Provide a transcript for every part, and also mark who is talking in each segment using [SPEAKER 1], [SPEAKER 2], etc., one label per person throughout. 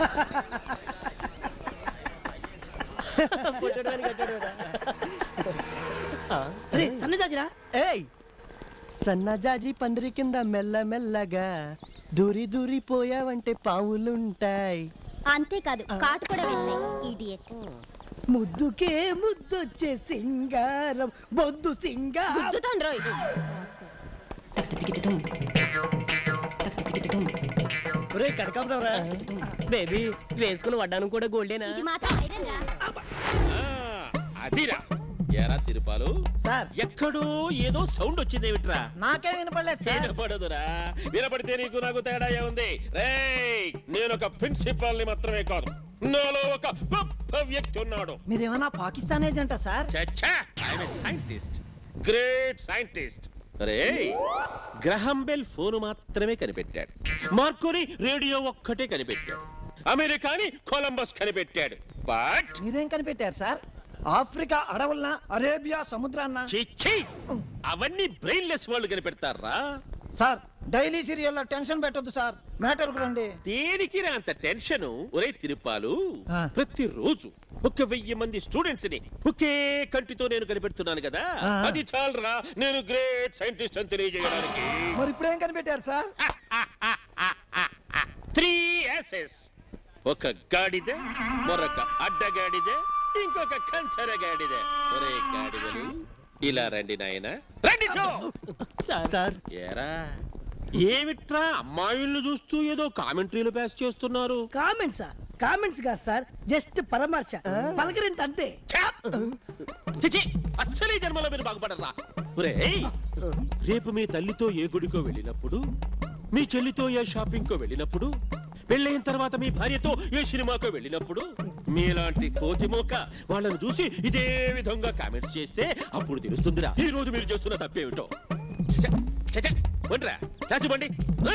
[SPEAKER 1] సన్నజాజిరా ఏయ్ సన్నజాజి పందిరి కింద మెల్లమెల్లగా దూరి దూరి పోయావంటే పావులుంటాయి.
[SPEAKER 2] అంతేకాదు కాటు కూడా వెళ్తాయి. ఈడియట్.
[SPEAKER 1] ముద్దుకే ముద్దొచ్చే సింగారం బొద్దు సింగారం. కనకాంబరా బేబీ వేసుకుని వడ్డాను కూడా గోల్డేనా?
[SPEAKER 2] ఇది మాత్రం ఐరన్ రా.
[SPEAKER 3] అదిరా ఎరా తిరుపాలు
[SPEAKER 1] సార్
[SPEAKER 3] ఎక్కడో ఏదో సౌండ్ వచ్చింది ఏమిట్రా?
[SPEAKER 1] నాకే వినపడలేదు సార్.
[SPEAKER 3] వినపడదురా, వినపడితే నీకు నాకు తేడా ఏముంది? రేయ్ నేను ఒక ప్రిన్సిపాల్ ని మాత్రమే కాదు, నాలో ఒక గొప్ప వ్యక్తి ఉన్నాడు.
[SPEAKER 1] మీరేమన్నా పాకిస్తాన్ ఏజెంటా సార్?
[SPEAKER 3] Scientist, great scientist. అరే గ్రహం బెల్ ఫోన్ మాత్రమే కనిపెట్టాడు, మార్కోని రేడియో ఒక్కటే కనిపెట్టాడు, అమెరికాని కొలంబస్ కనిపెట్టాడు. బట్
[SPEAKER 1] మీరేం కనిపెట్టారు సార్? ఆఫ్రికా అడవులన అరేబియా సముద్రాన్న?
[SPEAKER 3] చిచ్చి అవన్నీ బ్రెయిన్లెస్ వాళ్ళు కనిపెడతారా
[SPEAKER 1] సార్? డైలీ సీరియల్లో టెన్షన్ పెట్టొద్దు సార్, మ్యాటర్ రండి.
[SPEAKER 3] దేనికి అంత టెన్షన్? ఒరే తిరుపాలు, ప్రతిరోజు 1000 మంది స్టూడెంట్స్ ని ఒకే కంటితో నేను కనిపెడుతున్నాను కదా, అది చాలరా నేను గ్రేట్ సైంటిస్ట్ అని తెలియజేయడానికి.
[SPEAKER 1] మరి ఇప్పుడేం కనిపెట్టారు సార్?
[SPEAKER 3] 3 S's. ఒక గాడిద, మరొక అడ్డగాడిద, ఇంకొక కంచరగాడిద. ఒరే గాడిదలు ఇలా రండి నాయన, రండి.
[SPEAKER 1] సార్
[SPEAKER 3] ఏరా ఏమిట్రా అమ్మాయిల్ని చూస్తూ ఏదో కామెంటరీలు పాస్ చేస్తున్నారు?
[SPEAKER 1] కామెంట్సా? కామెంట్స్ కాదు సార్, జస్ట్ పరామర్శ, పలకరింత అంతే.
[SPEAKER 3] అసలే జన్మలో మీరు బాగుపడరా? రేపు మీ తల్లితో ఏ గుడికో వెళ్ళినప్పుడు, మీ చెల్లితో ఏ షాపింగ్ కో వెళ్ళినప్పుడు, పెళ్ళైన తర్వాత మీ భార్యతో ఏ సినిమాకో వెళ్ళినప్పుడు మీలాంటి కోతిమోక వాళ్ళని చూసి ఇదే విధంగా కామెంట్స్ చేస్తే అప్పుడు తెలుస్తుందిరా ఈ రోజు మీరు చేస్తున్న తప్పేమిటో. చాచిబండి.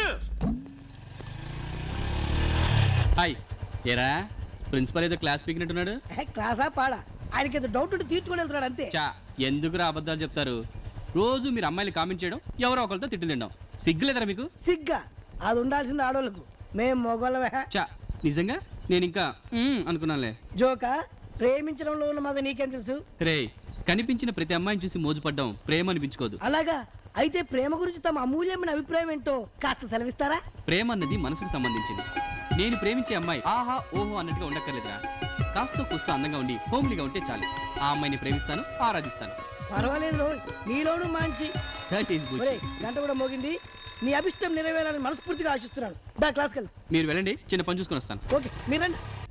[SPEAKER 4] హాయ్ ఏరా, ప్రిన్సిపల్ ఏదో క్లాస్ పీకినట్టున్నాడు.
[SPEAKER 1] క్లాసా పాడా? ఆయనకి ఏదో డౌట్ తీర్చుకొని వెళ్తున్నాడు అంతే.
[SPEAKER 4] చా ఎందుకురా అబద్ధాలు చెప్తారు? రోజు మీరు అమ్మాయిలు కామెంట్ చేయడం, ఎవరో ఒకరితో తిట్లు తినడం, సిగ్గులేదరా మీకు?
[SPEAKER 1] సిగ్గా? అది ఉండాల్సింది ఆడోళ్ళకు, మేము మొగోళ్ళమే.
[SPEAKER 4] చా నిజంగా నేను ఇంకా అనుకున్నానులే.
[SPEAKER 1] జోకా? ప్రేమించడంలో ఉన్న మాది నీకేం తెలుసు?
[SPEAKER 4] రే కనిపించిన ప్రతి అమ్మాయిని చూసి మోజుపడ్డం ప్రేమ అనిపించుకోదు.
[SPEAKER 1] అలాగా? అయితే ప్రేమ గురించి తమ అమూల్యమైన అభిప్రాయం ఏంటో కాస్త సెలవిస్తారా?
[SPEAKER 4] ప్రేమ అన్నది మనసుకు సంబంధించింది. నేను ప్రేమించే అమ్మాయి ఆహా ఓహో అన్నట్టుగా ఉండక్కర్లేదురా, కాస్త కూస్త అందంగా ఉండి హోమ్లీగా ఉంటే చాలు. ఆ అమ్మాయిని ప్రేమిస్తాను, ఆరాధిస్తాను.
[SPEAKER 1] పర్వాలేదు రోయ్, నీలోను మంచి. గంట కూడా మోగింది, నీ అభిష్టం నెరవేరాలని మనస్ఫూర్తిగా ఆశిస్తున్నాను. దా క్లాస్కి వెళ్ళు.
[SPEAKER 4] మీరు వెళ్ళండి, చిన్న పని చూసుకొని వస్తాను.
[SPEAKER 1] ఓకే మీరు రండి.